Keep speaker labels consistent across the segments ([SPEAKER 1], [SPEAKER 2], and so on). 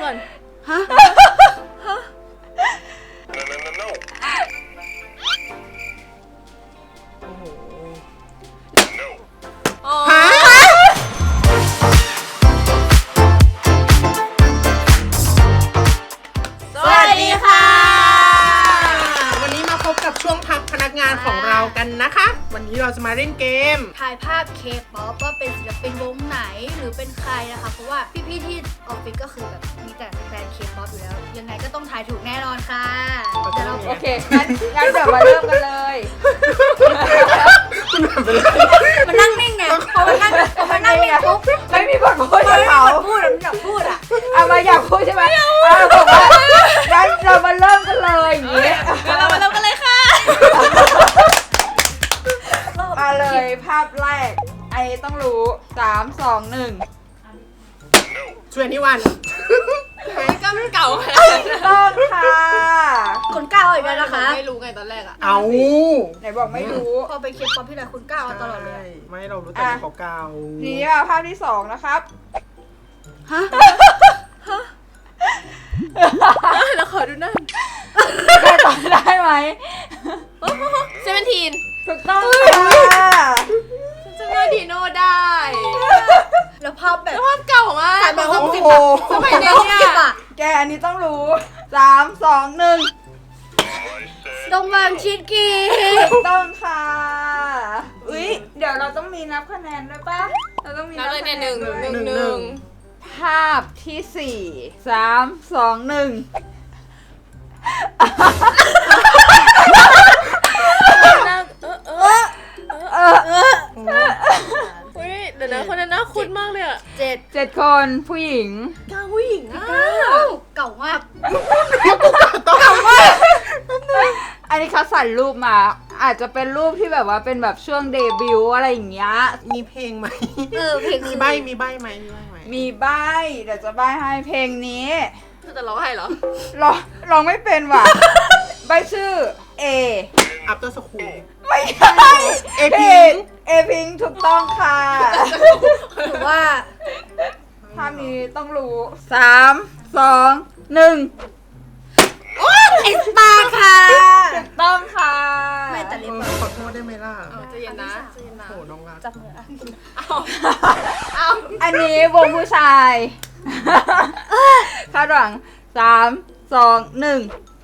[SPEAKER 1] ก่อนฮะโอ้โหฮะสวัสดีค่ะวันนี้มาพบกับช่วงพักพนักงานของเรากันนะคะวันนี้เราจะมาเล่นเกม
[SPEAKER 2] ถ่ายภาพเคป๊อปว่าเป็นศิลปินวงไหนหรือเป็นใครนะคะเพราะว่าพี่ๆที่ออฟฟิศก็คือแบบมีแต่แฟนเคป๊อปอยู่แล้วยังไงก็ต้องถ่ายถูกแน่นอนค่ะเดี๋ยวเรา
[SPEAKER 3] โอเคงั้นเดี๋ยวมาเริ่มกันเลย
[SPEAKER 2] มันนั่งนิ่งไงพอมันนั่งนิ่งปุ๊บ
[SPEAKER 3] ไม่มีบทพูดกับเขา
[SPEAKER 2] พูดอยากพูดอ่ะ
[SPEAKER 3] มาอยากพูดใช่ไหมบอกว่างั้นเรามาเริ่มกันเลยอย่างนี้
[SPEAKER 1] เรามาเริ่มกันเลยค่ะ
[SPEAKER 3] มาเลยภาพแรกไอต้องรู้3 2 1
[SPEAKER 1] ช่วยนี่วันไม่ก็มันเก่าค่ะ
[SPEAKER 3] ต้องค่ะ
[SPEAKER 2] คนก้าวอีกแล้วนะคะ
[SPEAKER 1] ไม่รู้ไงตอนแรกอะ
[SPEAKER 3] เอาไหนบอกไม่รู้
[SPEAKER 2] พอไปเคป๊อปที่ไหนคนก้าวตลอดเลย
[SPEAKER 1] ไม่เรารู้แต่เขาเก่า
[SPEAKER 3] นี่ภาพที่2นะครับ
[SPEAKER 2] ฮะ
[SPEAKER 1] แล้วขอดูหน้า
[SPEAKER 3] ใครตอบได้ไหม
[SPEAKER 1] 17
[SPEAKER 3] ถูกต้องค่ะ
[SPEAKER 1] จะไม่ดีโน่ได้
[SPEAKER 2] แล้วภาพแบบ
[SPEAKER 1] ภาพเก่ามาก
[SPEAKER 2] แบบ
[SPEAKER 1] 60สมัยนี้เนี่ย
[SPEAKER 3] แกอันนี้ต้องรู้3 2 1
[SPEAKER 2] ดงบางชิดกี
[SPEAKER 3] ต้องค่ะอุ๊ยเดี๋ยวเราต้องมีนับคะแนนด้วยป่ะเราต้องมีนับคะแนน1ภาพที่4 3 2 1
[SPEAKER 1] เดี๋ยวนะคนนั้นน่าคุ้นมากเลยอ่ะ
[SPEAKER 3] 7คนผู้หญิง
[SPEAKER 1] ผู้หญิงอ่ะ
[SPEAKER 2] เก่ามาก
[SPEAKER 3] อันนี้เขาใส่รูปมาอาจจะเป็นรูปที่แบบว่าเป็นแบบช่วงเดบิวต์อะไรอย่างเงี้ย
[SPEAKER 1] มีเพลงไหม
[SPEAKER 2] เพลง
[SPEAKER 1] มีใบไหม
[SPEAKER 3] มีใบเดี๋ยวจะใบให้เพลงนี้
[SPEAKER 1] จะร้องให้เหรอ
[SPEAKER 3] ร้องไม่เป็นว่ะใบชื่อ A
[SPEAKER 1] After School
[SPEAKER 3] ไม่ใช่เอพิงถูกต้องค่ะ
[SPEAKER 2] ถือว่า
[SPEAKER 3] ภาพนี้ต้องรู้3 2 1
[SPEAKER 2] ไอสตาร์ค่ะ
[SPEAKER 3] ถูกต้องค่ะ
[SPEAKER 2] ไม่แต่เล็บ
[SPEAKER 1] ขอโทษได้ไหมล่ะ
[SPEAKER 2] จะเย็นนะ
[SPEAKER 1] โหน้องรัก
[SPEAKER 2] จับมือ
[SPEAKER 3] อันนี้วงผู้ชายคาดหวัง3 2 1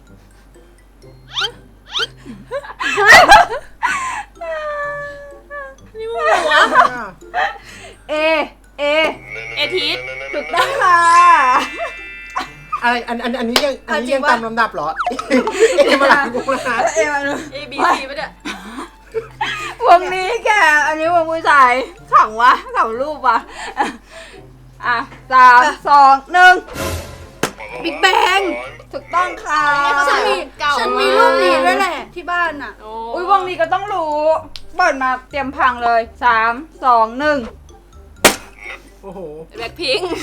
[SPEAKER 1] นี่มึงหัว
[SPEAKER 3] เอ
[SPEAKER 1] ทีส
[SPEAKER 3] ถูกต้องค่ะ
[SPEAKER 1] อะไรอันนี้ยังตามลำดับเหรอเอมาหลังกูนะA B C ป่ะเนี่ยว
[SPEAKER 3] งนี้แกอันนี้วงผู้ชายขังวะขังรูปวะ3 2 1
[SPEAKER 2] บิ๊กแบง
[SPEAKER 3] ถูกต้องค่ะ
[SPEAKER 2] ฉันมีรูปนี้ด้วยแหละที่บ้านอ่ะ
[SPEAKER 3] อุ้ยวงนี้ก็ต้องรู้เปิดมาเตรียมพังเลย3 2 1
[SPEAKER 1] โอ้โห
[SPEAKER 3] แบล็คพิงค์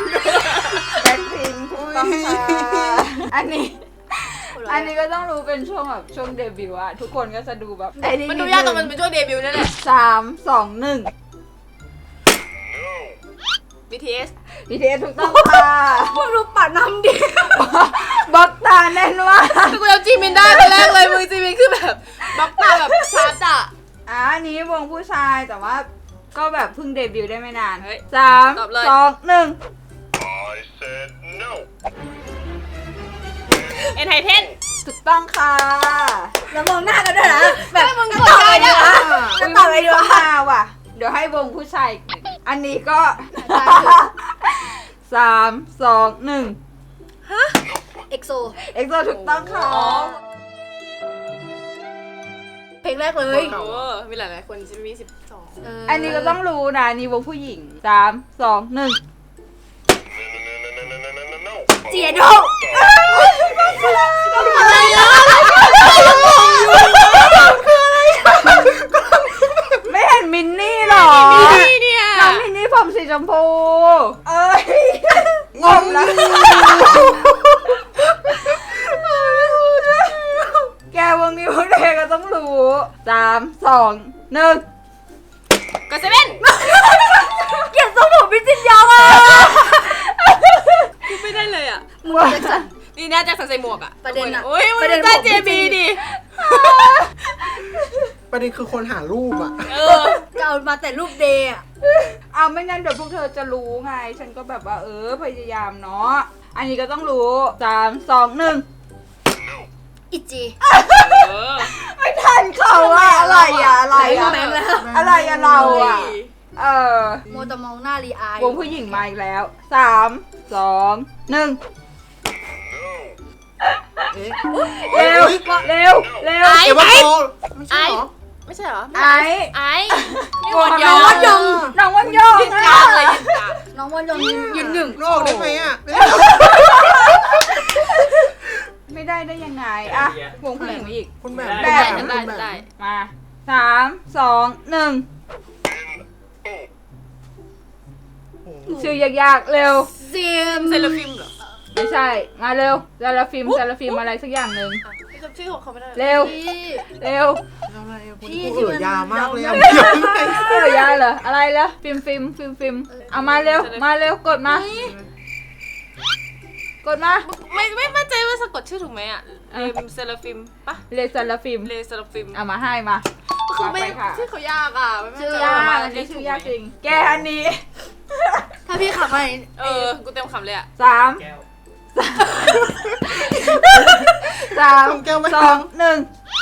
[SPEAKER 3] ถูกต้องค่ะอันนี้ก็ต้องรู้เป็นช่วงแบบช่วงเดบิวต์อะทุกคนก็จะดูแบบ
[SPEAKER 1] มันดูยากตรงมันเป็นช่วงเดบิวต์นั่นแหละ
[SPEAKER 3] 3 2 1
[SPEAKER 1] BTS
[SPEAKER 3] ถูกต้องค่ะ
[SPEAKER 2] มึงดูป่าน้ำดิ
[SPEAKER 3] บล็อกตาแน่นว่ะ
[SPEAKER 1] กูจำจีมินได้คนแรกเลยมือจีมินคือแบบบล็อกตาแบบชัดอ่ะ
[SPEAKER 3] อันนี้วงผู้ชายแต่ว่าก็แบบเพิ่งเดบิวต์ได้ไม่นาน
[SPEAKER 1] 3
[SPEAKER 3] 2 1
[SPEAKER 1] เอ็นไทเทน
[SPEAKER 3] ถูกต้องค่ะ
[SPEAKER 2] แล้วมองหน้ากันด้วยนะแบบ
[SPEAKER 1] มึงกดใจอ่ะ
[SPEAKER 2] จะต่อไปดู
[SPEAKER 3] ค่ะว่ะเดี๋ยวให้วงผู้ชายอันนี้ก็3 2 1
[SPEAKER 2] ฮะเอ็กโซ
[SPEAKER 3] ถูกต้องค่ะ
[SPEAKER 2] เพลงแรกเลย
[SPEAKER 1] มีหลายคนจะมี12
[SPEAKER 3] อันนี้ก็ต้องรู้นะนี่วงผู้หญิง3 2 1
[SPEAKER 2] เจียโด
[SPEAKER 3] อะไรอ่ะไม่เห็นมินนี่หรอ
[SPEAKER 1] เนี่ย
[SPEAKER 3] น้องมินนี่ผมสีชมพูงงแล้วแกวงนี้วงเด็กก็ต้องรู้3 2 1
[SPEAKER 1] ก็7
[SPEAKER 2] เกลียดทรงผมพี่จินยองอ่ะ
[SPEAKER 1] ไม่
[SPEAKER 4] ไม่ได้เลยอ่ะ
[SPEAKER 2] มึงแจ็คสัน
[SPEAKER 4] นี่น่าจะใส่หมวกอ่ะ
[SPEAKER 2] ประเด็นอะ
[SPEAKER 4] โอ้ยมัน
[SPEAKER 2] ประเด็น
[SPEAKER 4] ได้
[SPEAKER 2] ของพี่
[SPEAKER 4] JB ดิ
[SPEAKER 1] ประเด็นคือคนหารูปอ่ะ
[SPEAKER 4] เ
[SPEAKER 2] จะเอามาแต่รูปเดย์อะ
[SPEAKER 3] เอาไม่งั้นเดี๋ยวพวกเธอจะรู้ไง ฉันก็แบบว่าพยายามเนาะ อันนี้ก็ต้องรู้3 2 1
[SPEAKER 2] อิจิ
[SPEAKER 4] เออ
[SPEAKER 3] ไม่ทันเขาอะอะไรอะอะไรอะ
[SPEAKER 2] แบงค์แล้ว
[SPEAKER 3] อะไรอะเราอะ
[SPEAKER 2] โมวแต่มองหน้ารีอายว
[SPEAKER 3] งผู้หญิงมาอีกแล้ว3 2 1
[SPEAKER 1] เอ๊ะ
[SPEAKER 3] เร็วเร็วเร็ว
[SPEAKER 1] เอวาโกไม่ใช่เหรอ
[SPEAKER 4] ไม่ใช่เหรอ
[SPEAKER 3] ไอ้
[SPEAKER 4] ไอ้นี่
[SPEAKER 3] โก
[SPEAKER 4] วัน
[SPEAKER 3] น
[SPEAKER 4] ย
[SPEAKER 3] น้
[SPEAKER 4] อ
[SPEAKER 3] อง
[SPEAKER 4] ง
[SPEAKER 3] วันยงน้องวันยง
[SPEAKER 4] ยืน
[SPEAKER 3] อะ
[SPEAKER 4] กลางเลยยืนกลาง
[SPEAKER 2] น้องวันยองยืนหนึ่ง
[SPEAKER 1] นอกได้ไหมอ่ะ
[SPEAKER 3] ไม่ได้ได้ยังไงอะวงผู้หญิงมาอีก
[SPEAKER 1] คุณแบบ
[SPEAKER 3] ได้
[SPEAKER 1] คุณ
[SPEAKER 4] ได้
[SPEAKER 1] แบบ
[SPEAKER 4] ได้
[SPEAKER 3] มา3 2 1
[SPEAKER 1] โอ้โห
[SPEAKER 3] ชื่อยากๆเร็ว
[SPEAKER 2] เซียม
[SPEAKER 4] เซเลฟิมเหรอ
[SPEAKER 3] ไม่ใช่ มาเร็วซาลาฟิมอะไรสักอย่างหนึ่ง
[SPEAKER 4] จำชื่อของเขาไม่ได้
[SPEAKER 3] เร็ว
[SPEAKER 2] พี่
[SPEAKER 3] เร็ว
[SPEAKER 1] อะไรอ่ะคุณ
[SPEAKER 2] พี่
[SPEAKER 1] กู
[SPEAKER 2] ที่มัน
[SPEAKER 1] ยามากเลยอ่ะ
[SPEAKER 3] ยาเหรออะไรเหรอฟิล์มเอามาเร็วมาเร็วกดมา กดมา
[SPEAKER 4] ไม่มั่นใจว่าสะกดชื่อถูกไหมอ่ะเลมเซเลฟิมปะ
[SPEAKER 3] เลซาลาฟิม
[SPEAKER 4] เลเซเลฟิม
[SPEAKER 3] เอามาให้มา
[SPEAKER 4] คือไม่
[SPEAKER 3] ไปค่ะ
[SPEAKER 4] ชื่อเขายากอ่ะไม่มั่น
[SPEAKER 3] ชื่อ
[SPEAKER 4] ใจ
[SPEAKER 3] ยาก
[SPEAKER 4] ว่า
[SPEAKER 3] อันนี้ชื่อยากจริง แกอันนี้
[SPEAKER 2] ถ้าพี่ขับมา
[SPEAKER 4] กูเต็มคำเลยอ่ะ
[SPEAKER 3] 3 2 1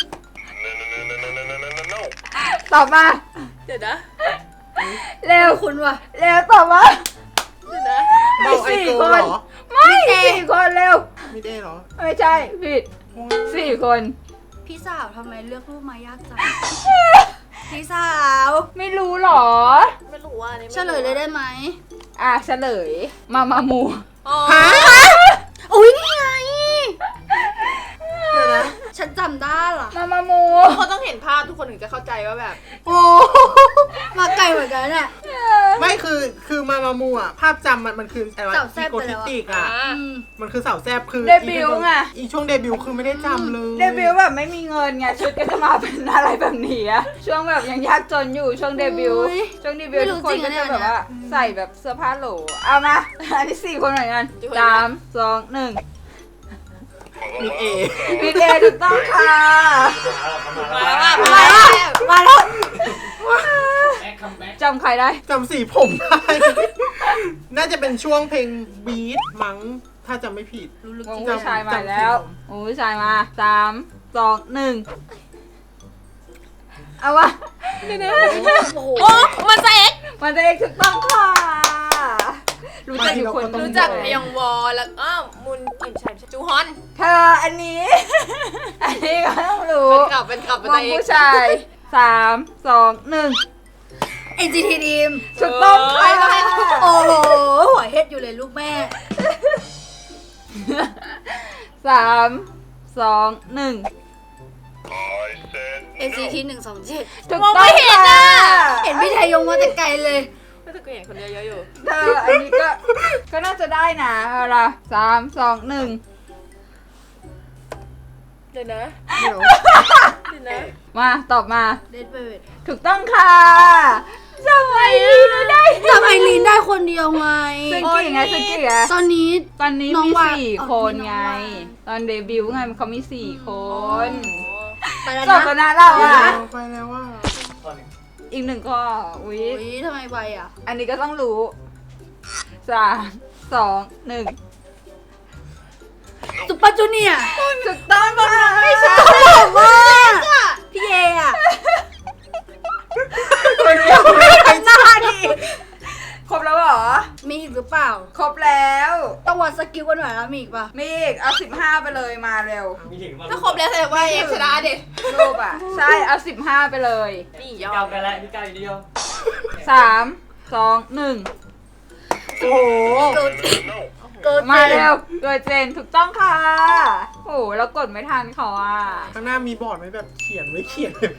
[SPEAKER 3] ตอบมา
[SPEAKER 4] เดี๋ยวนะ
[SPEAKER 3] เร็ว
[SPEAKER 2] คุณว่ะ
[SPEAKER 3] เร็วตอบมา
[SPEAKER 4] เดี๋ยวนะ
[SPEAKER 1] เบาไอเกิลเหรอ
[SPEAKER 3] ไม่4 คนเร็ว
[SPEAKER 1] ไม่ได้เหรอ
[SPEAKER 3] ไม่ใช่ผิด4 คน
[SPEAKER 2] พี่สาวทำไมเลือกรูปมายากจัง พี่สาว
[SPEAKER 3] ไม่รู้หรอ
[SPEAKER 4] ไม่รู้ว่าอันนี้
[SPEAKER 2] เฉลยเลยได้ไหม
[SPEAKER 3] อ่ะเฉลย มามู
[SPEAKER 4] อ๋อ
[SPEAKER 1] ฮะ
[SPEAKER 2] อุ้ยนี่ไง
[SPEAKER 1] เดี๋ยวนะ
[SPEAKER 2] ฉันจำได้ล่ะ
[SPEAKER 3] มามู
[SPEAKER 4] เขาต้องเห็นภาพทุกคนถึงจะเข้าใจว่าแบบ
[SPEAKER 1] โอ้
[SPEAKER 2] มาไกลเหมือนกันเนี่ย
[SPEAKER 1] ไม่คือมามูอ่ะ ภาพจำมันคืออะไรวะ
[SPEAKER 2] สาวแซ่บ
[SPEAKER 1] อีโก
[SPEAKER 2] ไปแล้
[SPEAKER 1] ทิ
[SPEAKER 2] วอะ
[SPEAKER 1] ติกอ่ะ
[SPEAKER 2] อืม
[SPEAKER 1] มันคือสาวแซบคือ
[SPEAKER 3] เดบิวต์ไง
[SPEAKER 1] อีช่วงเดบิวต์คือไม่ได้จำเลย
[SPEAKER 3] เดบิวต์แบบไม่มีเงินไงชุดก็จะมาเป็นอะไรแบบนี้อะช่วงแบบยังยากจนอยู่ช่วงเดบิวต์
[SPEAKER 2] อุ๊ย
[SPEAKER 3] ช่วงเดบิวต์
[SPEAKER 2] ไม่รู้
[SPEAKER 3] ทุกคน
[SPEAKER 2] จริง
[SPEAKER 3] ก็
[SPEAKER 2] อะเนี่
[SPEAKER 3] จะ
[SPEAKER 2] ย
[SPEAKER 3] แบบว่าใส่แบบเสื้อผ้าโหลเอามาอันนี้4 คนเหมือนกัน3 2 1
[SPEAKER 1] มีเอ
[SPEAKER 3] พีเอถูกต้องค่ะ
[SPEAKER 4] มาแล้วว่า
[SPEAKER 2] มาแล้วมาแล้ว
[SPEAKER 3] จำใครได้
[SPEAKER 1] จำสีผมได้ น่าจะเป็นช่วงเพลงบีทมั้ง ถ้าจำไม่ผิด
[SPEAKER 3] วงผู้ชายมาแล้ววงผู้ชายมา3 2 1เอาวะ
[SPEAKER 2] โอ้โห
[SPEAKER 4] โอ้มันจะเอ็ก
[SPEAKER 3] มันจะเอกถูกต้องค่ะ รู้จักอยู่คน
[SPEAKER 4] รู้จักพยองวอแล้วมุนอิ่มชัยจูฮอน
[SPEAKER 3] เธออันนี้ อันนี้ก็ต้องรู้
[SPEAKER 4] เป็นกลับ
[SPEAKER 3] ว
[SPEAKER 4] เป็น
[SPEAKER 3] ง
[SPEAKER 4] เอ็ก
[SPEAKER 3] ผู้ชาย3 2 1
[SPEAKER 2] NCT Dream
[SPEAKER 3] ถูกต้องค่ะ
[SPEAKER 2] โอ้โหหัวเฮ็ดอยู่เลยลูกแม่
[SPEAKER 3] 3 2 1
[SPEAKER 2] NCT 127
[SPEAKER 3] ถูกต้องค่ะ
[SPEAKER 2] เห็นพี่ไทยยงมาแต่ไกลเลย
[SPEAKER 4] ไม่ต้องเห็นคนเดียวเยอะอยู่
[SPEAKER 3] เธออันนี้ก็น่าจะได้นะเอาล่ะ3 2 1
[SPEAKER 4] เดี๋ยวนะ
[SPEAKER 1] เดี๋ยว
[SPEAKER 4] เดี๋ยวนะ
[SPEAKER 3] มาตอบมา
[SPEAKER 2] เดดเบิร์ด
[SPEAKER 3] ถูกต้องค่ะทำไมไม่ได้
[SPEAKER 2] จำไอรีนได้คนเดียวไง
[SPEAKER 3] ซึ่งกี่ไงซึ่งกี่ไง
[SPEAKER 2] ตอนนี้
[SPEAKER 3] ตอนนี้
[SPEAKER 2] น้อง
[SPEAKER 3] มี
[SPEAKER 2] วา
[SPEAKER 3] 4 คน
[SPEAKER 2] มีน้อง
[SPEAKER 3] ไง
[SPEAKER 2] วา
[SPEAKER 3] ตอนเดบิวต์ไงเขามี4 คน
[SPEAKER 2] ไปแล้ว
[SPEAKER 3] จบ
[SPEAKER 2] นะ
[SPEAKER 3] แล้วนะเราอ่ะ
[SPEAKER 1] ไปแล้วว่า
[SPEAKER 3] อีก1 ข้ออุ๊ย
[SPEAKER 2] อุ้ยทำไมไวอ่ะ
[SPEAKER 3] อันนี้ก็ต้องรู้3 2 1
[SPEAKER 2] ซุปเปอร์จูเนียร์
[SPEAKER 3] ถูกต้องค่ะไม่ใช่
[SPEAKER 2] บอกว่าพี่เออ่ะ
[SPEAKER 1] คนเดียวไม่ได้
[SPEAKER 3] หน้าดิครบแล้วเหรอ
[SPEAKER 2] มีอีกหรือเปล่า
[SPEAKER 3] ครบแล้ว
[SPEAKER 2] ต้องวัดสกิลกันหน่อยแล้วมีอีกป่ะ
[SPEAKER 3] มีอีกเอา15ไปเลยมาเร็ว
[SPEAKER 4] ถ้าครบแล้วแสดงว่าเอ็กชนะดิ
[SPEAKER 3] รูปอ่ะ ใช่เอา15ไปเลย
[SPEAKER 4] นี่ยอ
[SPEAKER 5] เก้าม กันแล้วพี่ก้าวอยู่เดียว
[SPEAKER 3] 3 2 1
[SPEAKER 1] โอ้โห
[SPEAKER 2] เกิดเกิด
[SPEAKER 3] มาเร็วเกิดเจนถูกต้องค่ะ โอ้โหแล้วกดไม่ทันเขาอ่ะ
[SPEAKER 1] ข้างหน้ามีบอร์ดไหมแบบเขียนไว้เขียนเลยไหม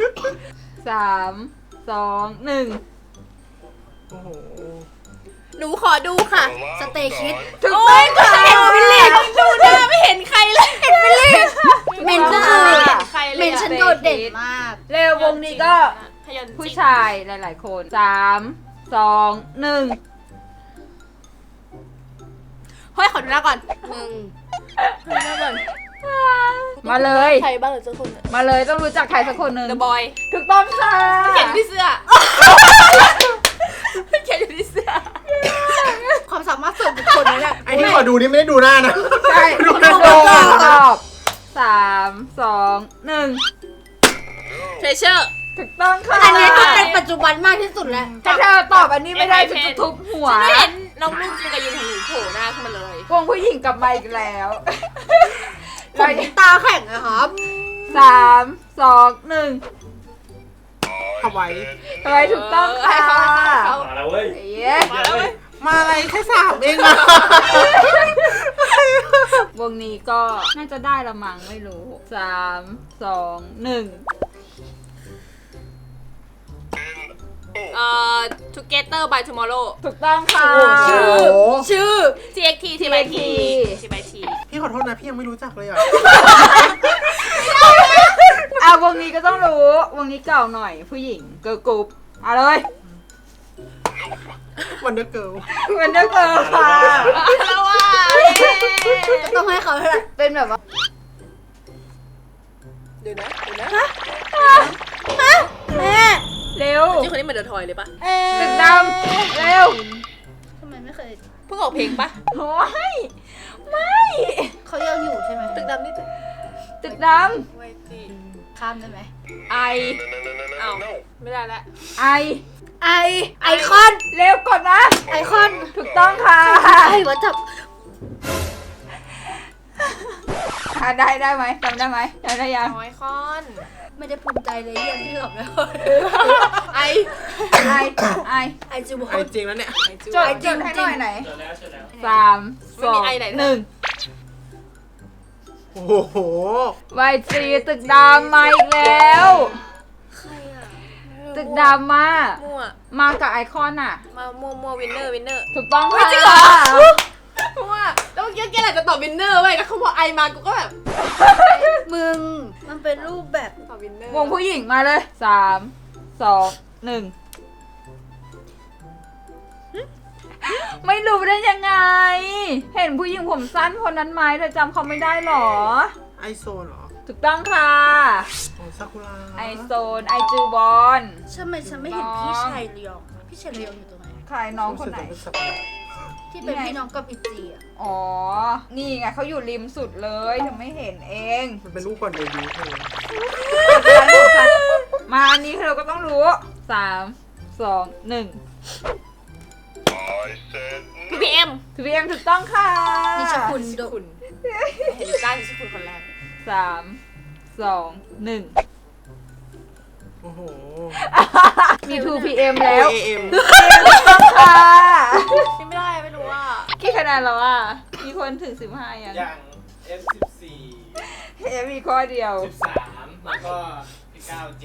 [SPEAKER 3] 3 2 1
[SPEAKER 1] โอ้โห
[SPEAKER 4] หนูขอดูค่ะ
[SPEAKER 2] สเตย์คิด
[SPEAKER 3] ถูกต้องค่ะ
[SPEAKER 4] เห็นฟิลลิ่งดูหน้าไม่เห็นใครเลยเห็นฟิลลิ่ง
[SPEAKER 2] เมนก็คือ
[SPEAKER 4] ไม่เห็นใครเล
[SPEAKER 2] เม
[SPEAKER 4] ย
[SPEAKER 2] น
[SPEAKER 4] อะ
[SPEAKER 2] ฉันโดดเด่นมาก
[SPEAKER 3] เร็ววงนี้ก็
[SPEAKER 4] พยัญชนะ
[SPEAKER 3] ผู้ชายหลายๆ คน3 2 1
[SPEAKER 4] เฮ้ยขอดูหน้าก่อน
[SPEAKER 3] มาเลย
[SPEAKER 4] ใครบ้างหรือเจ้าคนเนี่ย
[SPEAKER 3] มาเลยต้องรู้จักใครสักคนหนึ่ง
[SPEAKER 4] The Boy
[SPEAKER 3] ถูกต้องค่ะ
[SPEAKER 4] เขียนอยู่ที่เสื้อเขียนอยู่ที่เสื้อ
[SPEAKER 2] ความสามารถส่วนบุคคลนะเนี่ย
[SPEAKER 1] ไอ้ที่ขอดูนี่ไม่ได้ดูหน้านะ
[SPEAKER 3] ใช่
[SPEAKER 1] ดู
[SPEAKER 3] ต
[SPEAKER 1] หน้า
[SPEAKER 3] อบ3 2 1
[SPEAKER 4] Treasure
[SPEAKER 3] ถูกต้องค่ะ
[SPEAKER 2] อันนี้ก็เป็นปัจจุบันมากที่สุดแล้ว
[SPEAKER 3] ถ้าเธอตอบอันนี้ไม่ได้จะทุบหัว
[SPEAKER 4] ฉันไม่เห็นน้องลูกจินกับยุนของหนูโผล่หน้าขึ้นมาเลยว
[SPEAKER 3] งผู้หญิงกลับมาอีกแล้ว
[SPEAKER 2] ผมตาแข็งนะครับ
[SPEAKER 3] 3 2 1
[SPEAKER 1] เอาไว้
[SPEAKER 3] ทำไมถูกต้องค่ะ
[SPEAKER 4] ให้เขาให้เขา
[SPEAKER 5] มาแล้วเว้ย
[SPEAKER 3] เย้
[SPEAKER 4] มาแล้วเว้ย
[SPEAKER 1] มาอะไรแค่3เองอะ
[SPEAKER 3] วงนี้ก็น่าจะได้ละมั้งไม่รู้ 3 2 1
[SPEAKER 4] Together by Tomorrow
[SPEAKER 3] ถูกต้องค่ะ
[SPEAKER 1] โอ้โห
[SPEAKER 2] ชื่อ
[SPEAKER 4] TXT TYT TYT
[SPEAKER 1] พี่ขอโทษนะพี่ยังไม่รู้จักเลยอ่ะ
[SPEAKER 3] อ่ะวงนี้ก็ต้องรู้ วงนี้เก่าหน่อยผู้หญิงเกิร์ลกรุ๊ปเอาเลย
[SPEAKER 1] วันเดอร์เกิล
[SPEAKER 3] เป็นเด็กเกิร์ลค่ะ
[SPEAKER 4] แล้วว่า
[SPEAKER 2] ต้องให้เขาเท่าไหร่
[SPEAKER 3] เป็นแบบว่า
[SPEAKER 4] เดี๋ยวนะ
[SPEAKER 2] แม่
[SPEAKER 3] เร็ว
[SPEAKER 4] จริงคนนี้เหมือนเดอะทอยเลยปะ
[SPEAKER 3] ตึกดำเร็ว
[SPEAKER 2] ทำไมไม่เคย
[SPEAKER 4] เพิ่งออกเพลงปะ
[SPEAKER 3] โอ้ยไม่
[SPEAKER 2] เขายังอยู่ใช่ไหม
[SPEAKER 4] ตึกดำนี่
[SPEAKER 3] ตึกด
[SPEAKER 4] ไวจี
[SPEAKER 2] ข้ามได้ไหม
[SPEAKER 3] ำไอ
[SPEAKER 4] อ้าวไม่ได้ละ
[SPEAKER 3] ไอ
[SPEAKER 2] ไอคอน
[SPEAKER 3] เร็วกดนะ
[SPEAKER 2] ไอคอน
[SPEAKER 3] ถูกต้องค่ะ
[SPEAKER 2] ไอวัตถุ
[SPEAKER 3] ได้ไหมจำได้ไหมจำได้ยัง
[SPEAKER 4] น้อยคอน
[SPEAKER 2] ไม่ได้ภูมิใจเลยเรื่องที่หลับแล้ว
[SPEAKER 4] ไอ
[SPEAKER 3] ไอ
[SPEAKER 2] ไอจูบอ
[SPEAKER 1] ไอ้
[SPEAKER 2] ล
[SPEAKER 1] จริงแล้วเนี่ย
[SPEAKER 3] จดจดให้หน่อยไหน
[SPEAKER 5] เจอแล้วเจอแล้ว
[SPEAKER 3] 3 2 1
[SPEAKER 1] โอ้โห
[SPEAKER 3] วายจีตึกดำมาอีกแล้ว
[SPEAKER 2] ใครอ่ะ
[SPEAKER 3] ตึกดำมา
[SPEAKER 4] มั่ว
[SPEAKER 3] มากับไอคอนอ่ะ
[SPEAKER 4] มามั่ววินเนอร์
[SPEAKER 3] ถูกต้องค่ะ
[SPEAKER 4] จริงเหรอ มั่วแล้วเมื่อกี้แกแหละจะตอบวินเนอร์เว้ยแล้วเขาบอกไอมากูก็แบบ
[SPEAKER 2] มึง มันเป็นรูปแบบ
[SPEAKER 4] ตอบวินเนอร์
[SPEAKER 3] วงผู้หญิงมาเลย 3 2 1 ไม่รู้ได้ยังไง เห็นผู้หญิงผมสั้นคนนั้นไหมเธอจำเขาไม่ได้หรอ
[SPEAKER 1] ไอโซนเหรอ
[SPEAKER 3] ถูกต้องค่ะ
[SPEAKER 1] ของซากุระ
[SPEAKER 3] ไอโซน ไอจูบอล
[SPEAKER 2] ฉันไม่เห็นพี่ชายเลียงพี่ชายเลียงอยู่ตรงไหน
[SPEAKER 3] ใครน้องคนไหน
[SPEAKER 1] รู้สึกจะเป็นสับปะรด
[SPEAKER 2] ที่เป็นพี่น้องกับอิจีอ่ะ
[SPEAKER 3] อ๋อ นี่ไงเขาอยู่ริมสุดเลยเธอไม่เห็นเอง
[SPEAKER 1] มันเป็นรูปก่อนเดบิวต์เพลง
[SPEAKER 3] มาอันนี้เราก็ต้องรู้ 3 2 1
[SPEAKER 4] PPM
[SPEAKER 3] ทีพีเอ็มถูกต้องค่ะ
[SPEAKER 2] นิชคุณโด
[SPEAKER 4] คุณเห็นด้านที่คุณคนแรก
[SPEAKER 3] 3 2 1
[SPEAKER 1] โอ้โห
[SPEAKER 3] มี 2PM แล้ว
[SPEAKER 1] AM
[SPEAKER 3] ค่ะ
[SPEAKER 4] นี่ไม่ได้ไม่รู้ว่า
[SPEAKER 3] กี่คะแนนแล้วอ่ะ มีคนถึง 15ยัง
[SPEAKER 5] อย่าง F14
[SPEAKER 3] มีข้อเดียว
[SPEAKER 5] 13แล้วก็9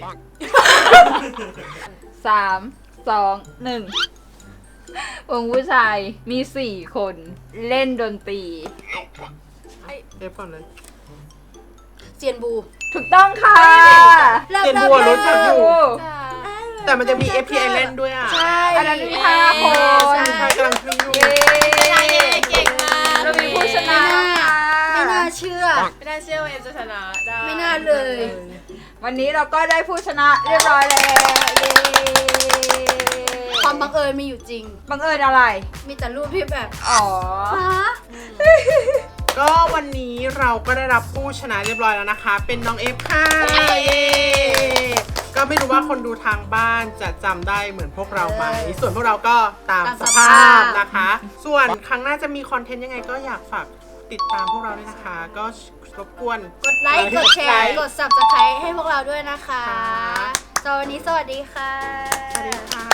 [SPEAKER 3] 3 2 1 วงผู้ชายมี 4 คนเล่นดนตรี
[SPEAKER 1] เอฟก่อนเลย
[SPEAKER 2] เจียนบู
[SPEAKER 3] ถูกต้องค่ะ
[SPEAKER 2] เริ่ม
[SPEAKER 1] เจียนบัวรู้จักอยู่
[SPEAKER 3] โอ้
[SPEAKER 1] แต่มันจะมี FPI เล่นด้วยอ่ะ
[SPEAKER 2] ใช่
[SPEAKER 3] อันนั้นมี5 คน
[SPEAKER 1] ใช่กำลังขึ้นอยู่
[SPEAKER 3] เย้
[SPEAKER 4] เก่งมาก
[SPEAKER 3] เรามีผู้ชนะ
[SPEAKER 2] ไม่น่าเชื่อ
[SPEAKER 4] ไม่น่าเชื่อว่าเอ็มจะชนะได้
[SPEAKER 2] ไม่น่าเลย
[SPEAKER 3] วันนี้เราก็ได้ผู้ชนะเรียบร้อยแล้วเย้
[SPEAKER 2] ความบังเอิญมีอยู่จริง
[SPEAKER 3] บังเอิญอะไร
[SPEAKER 2] มีแต่รูปที่แบบ
[SPEAKER 3] อ๋อ
[SPEAKER 2] ฟ้า
[SPEAKER 1] ก็วันนี้เราก็ได้รับผู้ชนะเรียบร้อยแล้วนะคะ เป็นน้องเอฟค่ะเย้ก็ไม่รู้ว่าคนดูทางบ้านจะจำได้เหมือนพวกเราไหมส่วนพวกเราก็ตามสภาพนะคะ ส่วนครั้งหน้าจะมีคอนเทนต์ยังไงก็อยากฝากติดตามพวกเราด้วยนะคะ ก็รบกวน
[SPEAKER 2] กดไลค์ กดแชร์ กด subscribe ให้พวกเราด้วยนะคะ
[SPEAKER 1] ค่ะ
[SPEAKER 2] สำหรับวันนี้สวัสดีค่ะ
[SPEAKER 1] สวัสดีค่ะ